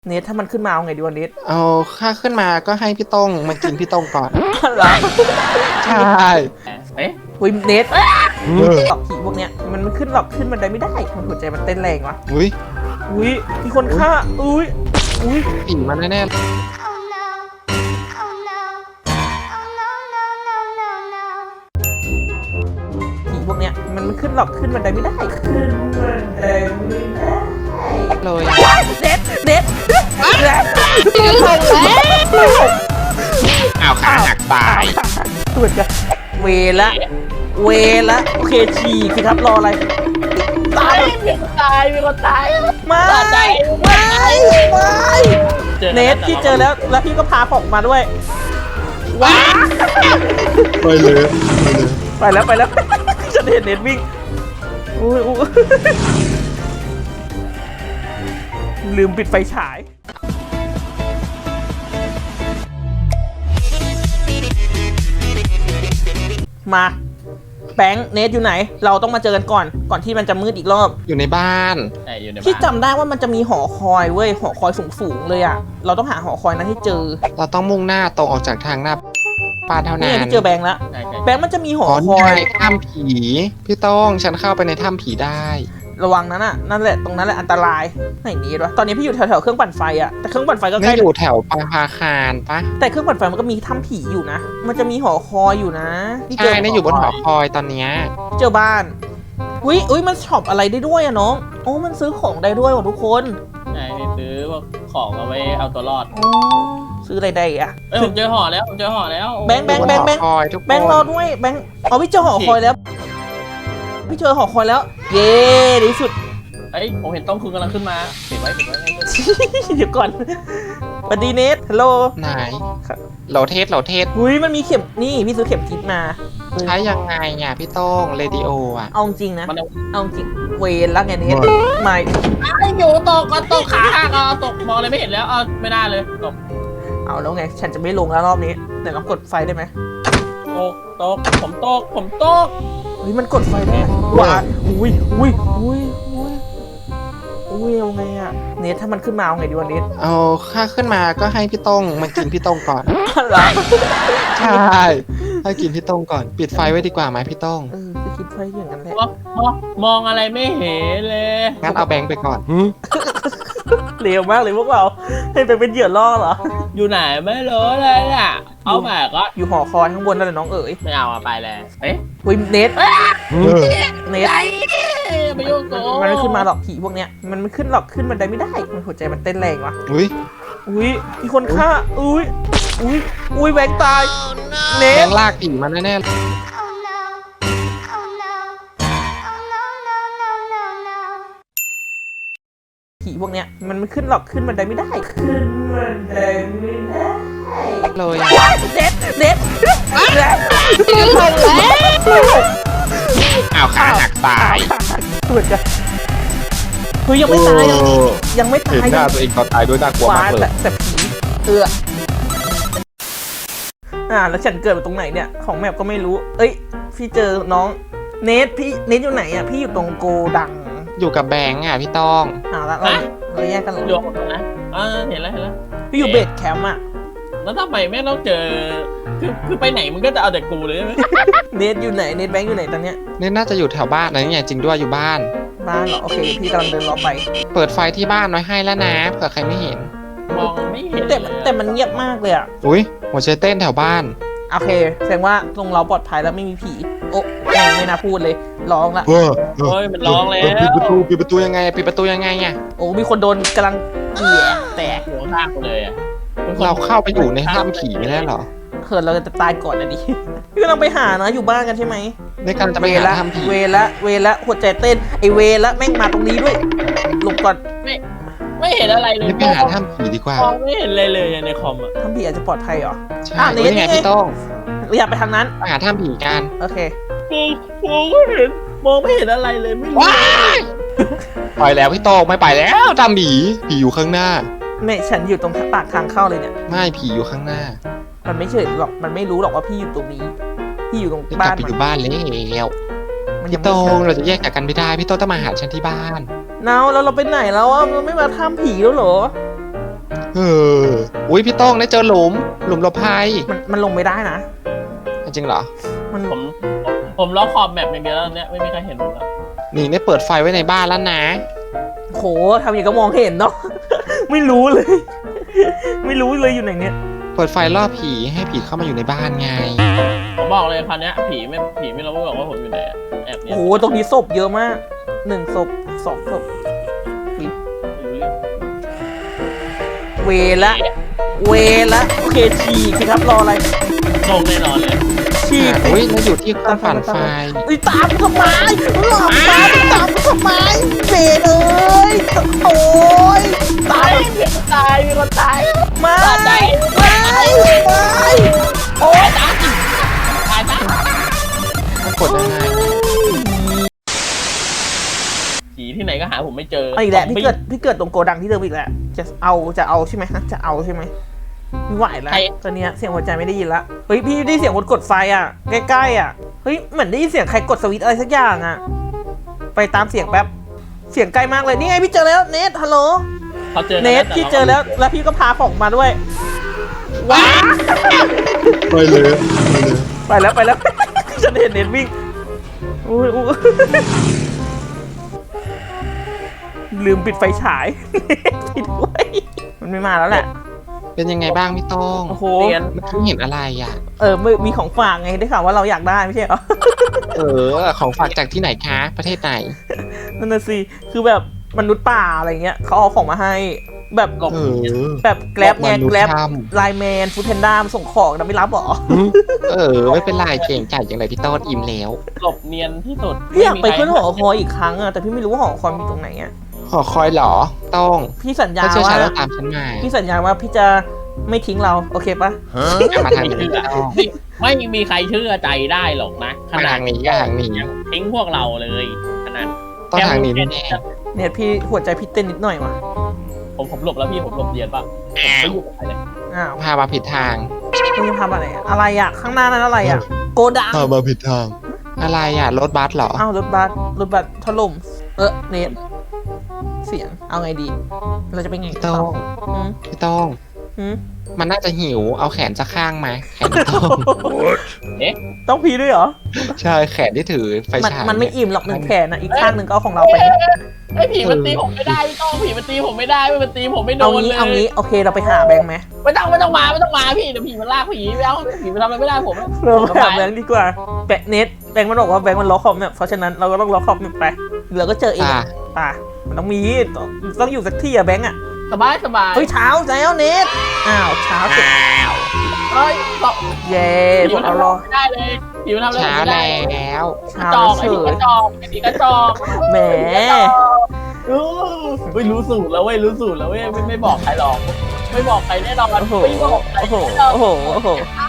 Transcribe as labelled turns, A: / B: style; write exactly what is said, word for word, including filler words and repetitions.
A: เนทถ้ามันขึ้นมาเอาไงดีวะเนท
B: เอาค่าขึ้นมาก็ให้พี่ต้งมากินพี่ต้งก่อน
A: เหรอ
B: ใช่
A: เอ๊ะอุ้ยเนทหลอกผีพวกเนี้ยมันมันขึ้นหลอกขึ้นบันไดไม่ได้มันหัวใจมันเต้นแรงวะ
B: อุ้ย
A: อุ้ยมีคนฆ่าอุ้ยอุ้ย
B: ผีมันแน่ๆ
A: ผีพวกเนี้ยมันมันขึ้นหลอกขึ้นบันไดไม่ได้ขึ้นบันไดไม่ได้
B: เลย
A: เด็ดเด็ดเด็ด
B: อ้าวขาหักตาย
A: ตัวจะเวละเวละโอเคฉี่สิครับรออะไร
C: ตายมีคนตายมีคนตาย
A: ไม่ไม่ไม่เนทพี่เจอแล้วแล้วพี่ก็พาผมมาด้วยว้า
B: ไปเลย
A: ไปแล้วไปแล้วจะเห็นเนทวิ่งอุ้ยลืมปิดไฟฉายมาแบงค์เนทอยู่ไหนเราต้องมาเจอกันก่อนก่อนที่มันจะมืดอีกรอบ
B: อยู่ในบ้าน
A: พี่จำได้ว่ามันจะมีหอคอยเว้ยหอคอยสูงๆเลยอ่ะเราต้องหาหอคอยนั้นให้เจอ
B: เราต้องมุ่งหน้าตรงออกจากทางหน้าบ้านเท่านั้น
A: นี่พี่เจอแบงค์แล้วแบงค์มันจะมีหอคอย
B: ถ้ำผีพี่ต้องฉันเข้าไปในถ้ำผีได้
A: ระวังนั้นอ่ะนั่นแหละตรงนั้นแหละอันตรายไหนนี้วะตอนนี้พี่อยู่แถวๆเครื่องปั่นไฟอ่ะแต่เครื่องปั่นไฟก็ใกล้
B: อยู่แถวปาพาคารปะ
A: แต่เครื่องปั่นไฟมันก็มีถ้ำผีอยู่นะมันจะมีหอคอยอยู่นะ
B: ใช่นี่อยู่บนหอคอยตอนนี้
A: เจอบ้านอุ้ยอุ้ยมันช็อปอะไรได้ด้วยอะน้องโอ้มันซื้อของได้ด้วยว่ะทุกคน
C: ใช่ซื้อของเอาไว้เอาตัวรอด
A: อ๋อซื้ออะไรได้อะ
C: เอ้ยผมเจอหอแล้วผมเจอหอแล้ว
A: แบงค์แบงค์แบงค์แบงค์แบงค์รอด้วยแบงค์อ๋อพี่เจอหอคอยแล้วพี่เจอหอคอยแล้วเย้ดีสุด
C: เอ้ยผมเห็นต้องคืนกำลังขึ้นมาเก็บไว้เก็บไว้
A: เดี๋ยวก่อนสวัสดีเนทฮัลโหล
B: ไหนเหลาเทสเหลาเทส
A: อุ้ยมันมีเข็มนี่พี่ซื้อเข็มทิศมา
B: ใช้ยังไงเนี่ยพี่ต้องเรดิโออ่ะ
A: เอาจริงนะเอาจริงเวรแล้วไงเนทไม่
C: อยู่ตกก็ตกขาหักอ่ะตกมองอะไรไม่เห็นแล้วเอาไม่ได้เลยตก
A: เอาแล้วไงฉันจะไม่ลงแล้วรอบนี้เดี๋ยวเรากดไฟได้ไหม
C: ตกตกผมตกผมตก
A: เฮ้ยมันกดไฟได้ว้าอุ้ยอุ้ยอุ้ยอุ้ยอุ้ยเอาไงอะเนทถ้ามันขึ้นมาเอาไงดีวะเนท
B: เอาค่าขึ้นมาก็ให้พี่ต้งมากินพี่ต้งก่อน
A: เหรอ
B: ใช่ให้กินพี่ต้งก่อนปิดไฟไว้ดีกว่าไหมพี่ต้ง
A: เออจะคิดไฟอย่างนั้นแหละ
C: มองอะไรไม่เห็นเลย
B: งั้นเอาแบงค์ไปก่อน
A: เร็วมากเลยพวกเราให้ไปเป็นเหยื่อล่อเหรอ
C: อยู่ไหนไม่รู้เลยอ่ะเอาแบกก็
A: อยู่หอคอยข้างบนนั่นแหละน้องเอ๋ย
C: ไม่เอาไปเลยเอ๊ะ
A: อุ้ยเนทเนท
C: ไม่ยุ่งกู
A: มันไม่ขึ้นมาหรอกผีพวกเนี้ยมันไม่ขึ้นหรอกขึ้นบันไดไม่ได้มันหัวใจมันเต้นแรงวะ
B: อุ้ย
A: อุ้ยมีคนฆ่าอุ้ยอุ้ยอุ้ยแบงค์ตายเนท
B: แบงค์ลากผีมาแน่ๆ
A: ผีพวกเนี้ยมันไม่ขึ้นหรอกขึ้นบันไดไม่ได้ขึ้นบันไดไม่ได้
B: เลย
A: เด็ดเด็ดเด็ด
B: อ้าวขาหักตาย
A: ตัวจะเฮ้ยยังไม่ตายยังไม่ตาย
B: เห็นหน้าตัวเองตอนตายด้วยน่ากลัวมากเลย
A: แต่ผีเอืออ่าแล้วฉันเกิดมาตรงไหนเนี่ยของแมปก็ไม่รู้เอ้ยพี่เจอน้องเนทพี่เนทอยู่ไหนอ่ะพี่อยู่ตรงโกดัง
B: อยู่กับแบงค์อ่ะพี่ต้อง
A: อ่าแล้วเราแยกกันหรอ
C: โยกนะเออเห็นแล้วเห็นแล้ว
A: พี่อยู่เบสแคมป์อ่ะ
C: แล้วทำไมแม่ต้องเจอคือคือไปไหนมันก็จะเอาแต่กูเลยไหม
A: เนทอยู่ไหนเนทแบงค์อยู่ไหนตอนเนี้ย
B: เนทน่าจะอยู่แถวบ้านนะนี่ไงจริงด้วยอยู่บ้าน
A: บ้านเหรอโอเคพี่กำลังเดินรอไป
B: เปิดไฟที่บ้านน้อยให้แล้วนะเผื่อใครไม่เห็น
C: มองไม่เห็น
A: แต่แต่มันเงียบมากเลยอ่ะ
B: อุ้ยหัวใจเต้นแถวบ้าน
A: โอเคแสดงว่าตรงเราปลอดภัยแล้วไม่มีผีโอ้ไม่น่าพูดเลยร้องละ
C: เฮ้ยมันร้องแล้ว
B: ปิดประตูปิดประตูยังไงปิดประตูยังไงไง
A: โอ้มีคนโดนกำลังเกี่ยแตก
C: หัวข้างเลยอ่ะ
B: เราเข้าไปอยู่ในถ้ำผีไม่ได้หรอ
A: เขินเราจะตายก่อนนะดิพี่กำลังไปหานะอยู่บ้านกันใช่ไหม
B: ในการจะไปหาถ้ำผี
A: เวละเวละหัวใจเต้นไอเวละแม่งมาตรงนี้ด้วยหลบก่อน
C: ไม่ไม่เห็นอะไรเลย
B: ไปหาถ้ำผีดีกว่า
C: ไม่เห็นเลยเลยในคอมอ่ะ
A: ถ้ำผีอาจจะปลอดภัยเหรอ
B: ใช่นี่ไงพี่ต้อง
A: อยากไปทางนั้น
B: ไปหาถ้ำผีกัน
A: โอเค
C: กูกูก็เห็นมองไม่เห็นอะไรเลยไม่รู้
B: ไปแล้วพี่ต้องไม่ไปแล้วถ้ำผีผีอยู่ข้างหน้า
A: ไม่ฉันอยู่ตรงปากทางเข้าเลยเนี่ย
B: ไม่ผีอยู่ข้างหน้า
A: มันไม่เฉยหรอกมันไม่รู้หรอกว่าพี่อยู่ตรงนี้พี่อยู่ตรงบ้าน
B: มันอยู่บ้านแล้วพี่โต้งเราจะแยกจากกันไม่ได้พี่โต้งต้องมาหาฉันที่บ้าน
A: เนาแล้วเราไปไหนแล้วอ่ะเราไม่มาทำผีแล้วเหรอ
B: เอออุ้ยพี่โต้องได้เจอหลุมหลุมหลบภัย
A: มันมันลงไม่ได้นะ
B: จริงเหรอ
A: มัน
C: ผมผมผมล็อกขอบแมปอย่างเดียวแล้วเนี่ยไม่มีใครเห็นผมแล้ว
B: นี่ได้เปิดไฟไว้ในบ้านแล้วนะ
A: โหทำอย่างก็มองเห็นเนาะ ไม่รู้เลย ไม่รู้เลยอยู่ไหนเนี่ย
B: เปิดไฟล่อผีให้ผีเข้ามาอยู่ในบ้านไง
C: ผมบอกเลยคราวเนี้ยผีไม่ผีไม่รู้หรอกว่าผมอยู่ไหนอะแอบเนี่ย
A: โหตรงนี้ศพเยอะมากหนึ่งศพสองศพ
C: ไม่รู้เรื่อง
A: เวละ เวละโอเคฉีกสิครับรออะไร
C: ลงแน่นอนเลย
A: ฉีกสิ
B: อุ้ยแล้วอยู่ที่เครื่องปั่นไฟ
A: อุ้ยตามกูทำไมหลอกตามตามกูทำไมเบนเอ้ยโอ้ยตาม
C: มีคนตายมีคนตาย
A: ไม่
C: ตาย
A: ไม่ไม่โอ้ย
C: ตายตายตาย
B: มันกดยังไง
C: ผีที่ไหนก็หาผมไม่เจอ
A: เอาอีกแหละพี่เกิดพี่เกิดตรงโกดังที่เดิมอีกแหละจะเอาจะเอาใช่ไหมฮะจะเอาใช่ไหมไม่ไหวแล้วตอนเนี้ยเสียงหัวใจไม่ได้ยินละเฮ้ยพี่ได้เสียงคนกดไฟอ่ะใกล้ๆอ่ะเฮ้ยเหมือนได้ยินเสียงใครกดสวิตช์อะไรสักอย่างอ่ะไปตามเสียงแป๊บเสียงใกล้มากเลยนี่ไงพี่เจอแล้วเนทฮัลโหล
C: เขาเจอ
A: เนทพี่เจอแล้วแล้วพี่ก็พาของมาด้วยว้า
B: ไปเลยไปเลย
A: ไปแล้วไปแล้ว ฉันเห็นเนทวิ่งอุ้ยอุ้ยลืมปิดไฟฉาย ปิดไว้มันไม่มาแล้วแหละ
B: เป็นยังไงบ้างพี่โต้ง
A: โอ้โห
C: เรียน
B: เมื่อกี้เห็นอะไรอ่ะ
A: เออมีของฝากไงได้ข่าวว่าเราอยากได้ไม่ใช่เหรอ
B: เออ ของฝากจากที่ไหนคะ ประเทศไหน
A: นั่นน่ะสิคือแบบมนุษย์ป่าอะไรเงี้ยเขาเอาของมาให้ แบบ
C: กบ
B: เออ
A: แบบแกร็บไง
B: มนุษย์
A: แกร็บ
B: ท
A: ไลน์แมนฟูดแพนด้ามาส่งของแต่ไม่รับเหรอ
B: เออ ไม่เป็นไรเก่งจ่ายอย่างไรพี่โต้นอิ่มแล้ว
C: กบเนียนที่สุด
A: พี่อยากไป
C: ม่มีใคร
A: ขึ้นหอคอยอีกครั้งอะแต่พี่ไม่รู้ว่าหอคอยมีตรงไหนอะ
B: หอคอยเหรอโต้อง
A: พี่สัญญา
B: ถ้าเชื่อ
A: ว่า
B: ฉันแล้วตามฉันมา
A: พี่สัญญาว่าพี่จะไม่ทิ้งเราโอเคปะ
B: มาทางนี้พี่โต้ง
C: ไม่มีใครเชื่อใจได้หรอกนะข
B: มา
C: นา
B: ทา
C: ด
B: งนี้ก็ทางนี้
C: ยังทิ้งพวกเราเลยขนาด
B: ต้องทางนี้แน่
A: เนี่ยพี่หัวใจพี่เต้นนิดหน่อยว่ะ
C: ผมผมหลบแล้วพี่ผมหลบเรียนป่ะผมไม่อยู่กับใครเลย
A: อ้าว
B: ๆพามาผิดทาง
A: พี่จะทำอะไรอะอะไรอะข้างหน้านั้นอะไรอะโกดัง
B: พามาผิดทาง อะไรอ่ะ รถบัสเหรอ
A: อ้าวรถบัสรถบัสถล่มเออเนทเสียงเอาไงดี เราจะไปไง
B: พี่
A: ต่
B: โต้
A: อง หืม
B: พี่โต้ง
A: หืม
B: มันน่าจะหิว เอาแขนสักข้างมาแขนพี่โต้ง
A: ต้องพีด้วยเหรอ
B: ใช่แขนที่ถือไฟ
A: มัน
B: ฉาย
A: มันไม่อิ่มหรอกหนึ่งแขนนะอีกข้างหนึ่งก็เอาของเราไป
C: ไอ้ผีมันตีผมไม่ได้พี่ต้องผีมันตีผมไม่ได้มันตีผมไม่โด
A: เอา
C: น
A: งี้
C: เลย
A: เอางี้โอเคเราไปหาแบงค์ไหม
C: ไม่ต้องไม่ต้องมาไม่ต้องมาพี่เดี๋ยวผีมันลากผีไปเอาผีมันทำอะไรไม่ได้ผม
A: เราไปหาแบงค์ดีกว่าแบงค์เน็ตแบงค์มันบอกว่าแบงค์มันล็อกคอมเนี่ยเพราะฉะนั้นเราก็ต้องล็อกคอมเนี่ยไปเราก็เจอเอง
B: อ่ะ
A: ป่ะมันต้องมีต้องต้องอยู่สักที่อะแบงค์อะ
C: สบายสบาย
A: เฮ้ยเช้าแล้วเน็ตอ้าวเช้าเสร็จ
C: เฮ้ยต่อ
A: เย้
C: ผี
A: พว
C: มั
A: ก
C: น
A: เรา
C: ทำ
A: รอ
C: ไม่ได้เลยผีมันทำอะไร
B: เช้า
C: ไม่ได้
B: แล้ว
A: เช้าก
C: ระจอก
A: เฉ
C: ไอ้ผีก
A: ย
C: ระจอกไอ้ผีกระจอก
A: แหม
C: อู้เฮ้ยรู้สูตรแล้วเว้ยรู้สูตรแล้วเว้ยไม่ไม่บอกใครหรอก ไม่บอกใครแน่นอน
A: โอ้โห
C: ไม่บอกใคร
A: โอ้โห
C: แน่นอน
A: โอ้โหโอ้โห
C: ต